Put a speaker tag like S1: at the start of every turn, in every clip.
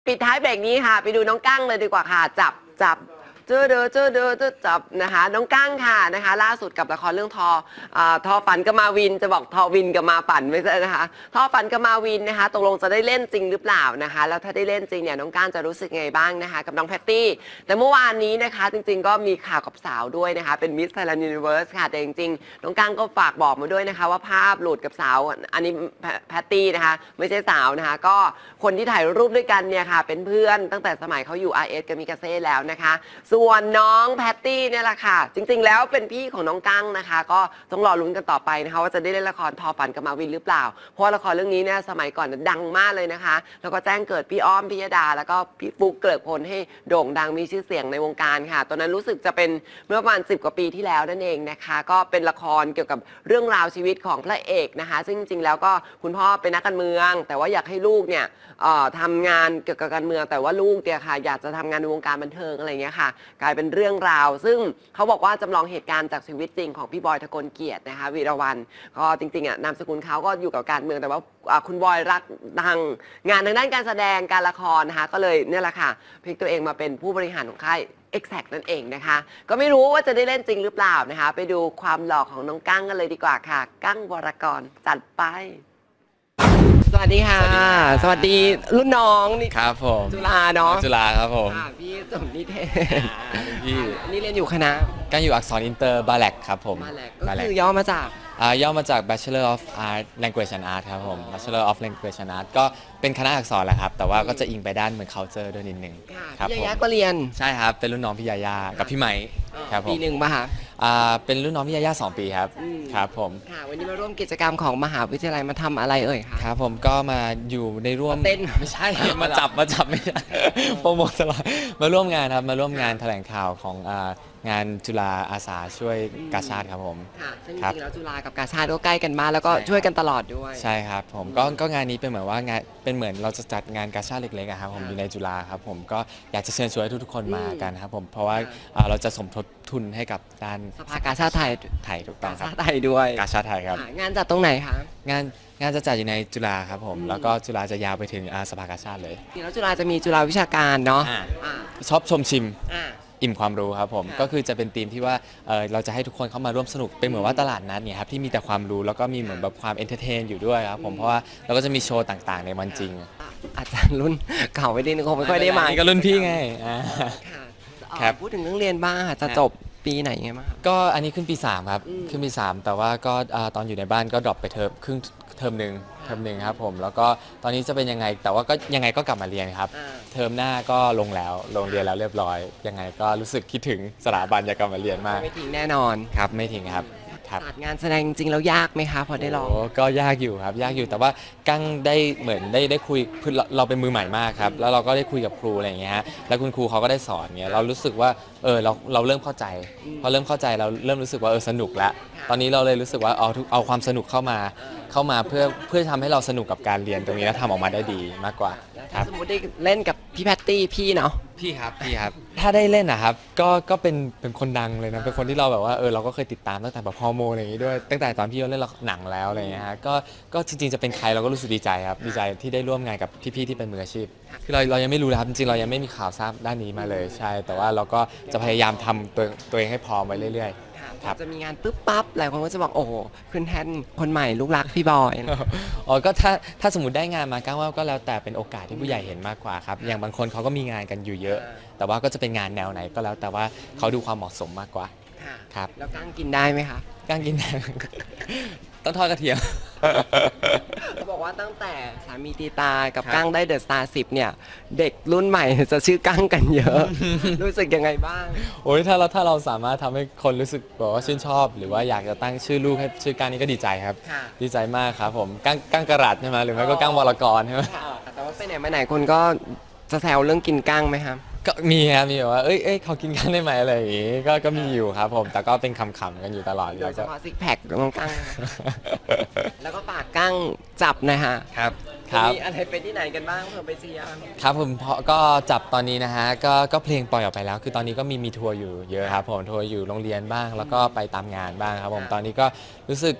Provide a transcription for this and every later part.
S1: ปิดท้ายเบรกนี้ค่ะไปดูน้องกั้งเลยดีกว่าค่ะจับเจอเดอจับนะคะน้องกั้งค่ะนะคะล่าสุดกับละครเรื่องทอฝันกับมาวินจะบอกทอวินกับมาฝันไม่ใช่นะคะทอฝันกับมาวินนะคะตกลงจะได้เล่นจริงหรือเปล่านะคะแล้วถ้าได้เล่นจริงเนี่ยน้องกั้งจะรู้สึกไงบ้างนะคะกับน้องแพตตี้แต่เมื่อวานนี้นะคะจริงๆก็มีข่าวกับสาวด้วยนะคะเป็นมิสไทยแลนด์ยูนิเวิร์สค่ะแต่จริงๆน้องกั้งก็ฝากบอกมาด้วยนะคะว่าภาพหลุดกับสาวอันนี้แพตตี้นะคะไม่ใช่สาวนะคะก็คนที่ถ่ายรูปด้วยกันเนี่ยค่ะเป็นเพื่อนตั้งแต่สมัยเขาอยู่ RS กับมิกาเซ่แล้วนะคะส่วนน้องแพตตี้เนี่ยแหละค่ะจริงๆแล้วเป็นพี่ของน้องกั้งนะคะก็ต้องรอลุ้นกันต่อไปนะคะว่าจะได้เล่นละครทอฝันกับมาวินหรือเปล่าเพราะละครเรื่องนี้เนี่ยสมัยก่อนดังมากเลยนะคะแล้วก็แจ้งเกิดพี่อ้อมพิยดาแล้วก็พี่ฟุ๊กเกริกพลให้โด่งดังมีชื่อเสียงในวงการค่ะตอนนั้นรู้สึกจะเป็นเมื่อประมาณ10 กว่าปีที่แล้วนั่นเองนะคะก็เป็นละครเกี่ยวกับเรื่องราวชีวิตของพระเอกนะคะซึ่งจริงๆแล้วก็คุณพ่อเป็นนักการเมืองแต่ว่าอยากให้ลูกเนี่ยทำงานเกี่ยวกับการเมืองแต่ว่าลูกเนี่ยค่ะอยากจะทำงานในวงการบันเทิงอะไรเงี้ยค่ะกลายเป็นเรื่องราวซึ่งเขาบอกว่าจำลองเหตุการณ์จากชีวิตจริงของพี่บอยทะกลเกียรตินะคะวีรวรรณก็จริงๆนามสกุลเขาก็อยู่กับการเมืองแต่ว่าคุณบอยรักดังงานทางด้านการแสดงการละครนะคะก็เลยเนี่ยแหละค่ะพลิกตัวเองมาเป็นผู้บริหารของค่ายExact นั่นเองนะคะก็ไม่รู้ว่าจะได้เล่นจริงหรือเปล่านะคะไปดูความหล่อของน้องกั้งกันเลยดีกว่าค่ะกั้งวรกรจัดไปสวัสดีค่ะสวัสดีรุ่นน้องนี่
S2: ครับผม
S1: จุฬาเนาะ
S2: จุฬาครับผม
S1: พี่จบนิเทศ
S2: พี่
S1: นี่เรียนอยู่คณะ
S2: กั้งอยู่อักษรอินเตอร์บาแลกครับผม
S1: บาแลกก็คือย่อมาจาก
S2: ย่อมาจาก Bachelor of Art Language and Art ครับผม Bachelor of Language and Art ก็เป็นคณะอักษรแหละครับแต่ว่าก็จะอิงไปด้านเหมือน culture ด้วยนิดนึง
S1: ครับพี่ยาก็เรียน
S2: ใช่ครับเป็นรุ่นน้องพี่ยากับพี่ไหมครับผม
S1: ปีหนึ่งป่ะคะ
S2: เป็นรุ่นน้องพี่ยา2 ปีครับครับผม
S1: ค่ะวันนี้มาร่วมกิจกรรมของมหาวิทยาลัยมาทำอะไรเอ่ยคะ
S2: ครับผมก็มาอยู่ในร่วม
S1: เต้น
S2: ไม่ใช่มาจับไม่ใช่โปรโมทตลอดมาร่วมงานครับมาร่วมงานแถลงข่าวของงานจุฬาอาสาช่วยกาชาดครับผม
S1: ค่ะซึ่งจริงๆแล้วจุฬากับกาชาดก็ใกล้กันมากแล้วก็ช่วยกันตลอดด้วย
S2: ใช่ครับผมก็งานนี้เป็นเหมือนว่างานเป็นเหมือนเราจะจัดงานกาชาดเล็กๆครับผมอยู่ในจุฬาครับผมก็อยากจะเชิญชวนให้ทุกๆคนมากันครับผมเพราะว่าเราจะสมทบทุนให้กับด้าน
S1: สภากาชาดไทย
S2: ถูกต้องครับ
S1: กาชาดไทยด้วย
S2: กาชาดไทยครับ
S1: งานจัดตรงไหนคะ
S2: งานจะจัดอยู่ในจุฬาครับผมแล้วก็จุฬาจะยาวไปถึงสภากาชาดเลย
S1: แล้วจุฬาจะมีจุฬาวิชาการเนาะ
S2: ชอบชมชิมอิ่มความรู้ครับผมก็คือจะเป็นธีมที่ว่าเราจะให้ทุกคนเข้ามาร่วมสนุกเป็นเหมือนว่าตลาดนัดเนี่ยครับที่มีแต่ความรู้แล้วก็มีเหมือนแบบความเอนเตอร์เทนอยู่ด้วยครับผมเพราะว่าเราก็จะมีโชว์ต่างๆในวันจริง
S1: อาจารย์รุ่นเก่าไม่ได้คงไม่ค่อยได้มา
S2: ก็รุ่นพี่ไง
S1: ครับพูดถึงเรื่องเรียนบ้างจะจบปีไหนไงบ้าง
S2: ก็อันนี้ขึ้นปี3ครับขึ้นปี3แต่ว่าก็ตอนอยู่ในบ้านก็ดรอปไปครึ่งเทอมหนึ่งครับผมแล้วก็ตอนนี้จะเป็นยังไงแต่ว่าก็ยังไงก็กลับมาเรียนครับเทอมหน้าก็ลงเรียนแล้วเรียบร้อยยังไงก็รู้สึกคิดถึงสถาบันอยากกลับมาเรียนมาก
S1: ไม่ทิ้งแน่นอน
S2: ครับไม่ทิ้งครับ
S1: งานแสดงจริงๆแล้วยากไหมคะพอได้ลอง
S2: ก็ยากอยู่ครับยากอยู่แต่ว่ากั้งได้เหมือนได้คุยเราเป็นมือใหม่มากครับแล้วเราก็ได้คุยกับครูอะไรอย่างเงี้ยฮะแล้วคุณครูเขาก็ได้สอนเงี้ยเรารู้สึกว่าเราเริ่มเข้าใจพอเริ่มเข้าใจเราเริ่มรู้สึกว่าสนุกแล้วตอนนี้เราเลยรู้สึกว่าเอาความสนุกเข้ามาเพื่อทำให้เราสนุกกับการเรียนตรงนี้แล้วทำออกมาได้ดีมากกว่า
S1: สมมติได้เล่นกับพี่แพตตี้พี่เนาะ
S2: พี่ครับถ้าได้เล่นนะครับก็เป็นคนดังเลยนะเป็นคนที่เราแบบว่าเราก็เคยติดตามตั้งแต่แบบฮอร์โมนอะไรอย่างนี้ด้วยตั้งแต่ตอนพี่เล่นหนังแล้วอะไรอย่างเงี้ยฮะก็จริงๆจะเป็นใครเราก็รู้สึกดีใจครับดีใจที่ได้ร่วมงานกับพี่ๆที่เป็นมืออาชีพคือเรายังไม่รู้นะครับจริงๆเรายังไม่มีข่าวทราบด้านนี้มาเลยใช่แต่ว่าเราก็จะพยายามทำตัวเองให้พร้อมไว้เรื่อยๆ
S1: จะมีงานปึ๊บปั๊บหลายคนก็จะบอกโอ้โหขึ้นแทนคนใหม่ลูกรักพี่บอย
S2: ก็ถ้าสมมติได้งานมาก้าวว่าก็แล้วแต่เป็นโอกาสที่ผู้ใหญ่เห็นมากกว่าครับอย่างบางคนเขาก็มีงานกันอยู่เยอะแต่ว่าก็จะเป็นงานแนวไหนก็แล้วแต่ว่าเขาดูความเหมาะสมมากกว่าครับ
S1: แล้วกั้งกินได้ไหมคะ
S2: กั้งกินได้ต้องทอดกระเทียม
S1: เขาบอกว่าตั้งแต่สามีตีตากับกั้งได้เดอะสตาร์10เนี่ยเด็กรุ่นใหม่จะชื่อกั้งกันเยอะรู้สึกยังไงบ้าง
S2: โอ้ยถ้าเราสามารถทำให้คนรู้สึกบอกว่าชื่นชอบหรือว่าอยากจะตั้งชื่อลูกให้ชื่อกั้งนี่ก็ดีใจครับดีใจมากครับผมกั้งกระรัดใช่ไหมหรือไม่ก็กั้งวรกรใช่ไหม
S1: แต่ว่าไปไหนมาไหนคนก็จะแซวเรื่องกินกั้งไหมครับ
S2: ก็มีครับมีแบบว่าเขากินกันได้ไหมอะไรอย่างงี้ก็มีอยู่ครับผมแต่ก็เป็นคำๆกันอยู่ตลอด
S1: โดยเฉพาะซิกแพคของกั้งแล้วก็ปากกั้งจับนะฮะ
S2: ครับ
S1: มีอะไรไปที่ไหนกันบ้างเพื่อไปเชียร์
S2: ครับผมเพราะก็จับตอนนี้นะฮะก็เพลงปล่อยออกไปแล้วคือตอนนี้ก็มีทัวร์อยู่เยอะครับผมทัวร์อยู่โรงเรียนบ้างแล้วก็ไปตามงานบ้างครับผมตอนนี้ก็รู้สึก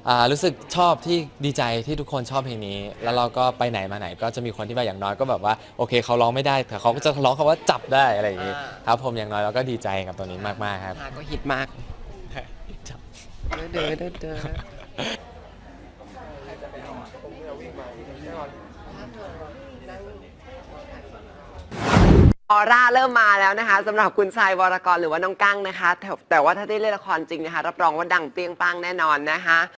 S2: รู้สึกชอบที่ดีใจที่ทุกคนชอบเพลงนี้ แล้วเราก็ไปไหนมาไหนก็จะมีคนที่แบบอย่างน้อยก็แบบว่าโอเคเขาร้องไม่ได้แต่เขาก็จะร้องคำว่าจับได้อะไรอย่างงี้ครับผมอย่างน้อยเราก็ดีใจกับตัวนี้มากๆครับ
S1: ก็ฮิตมากเด้อเด้อเด้อออร่าเริ่มมาแล้วนะคะสำหรับคุณชายวรกรหรือว่าน้องกั้งนะคะแต่ว่าถ้าได้เล่นละครจริงนะคะรับรองว่าดังเปรี้ยงปังแน่นอนนะคะ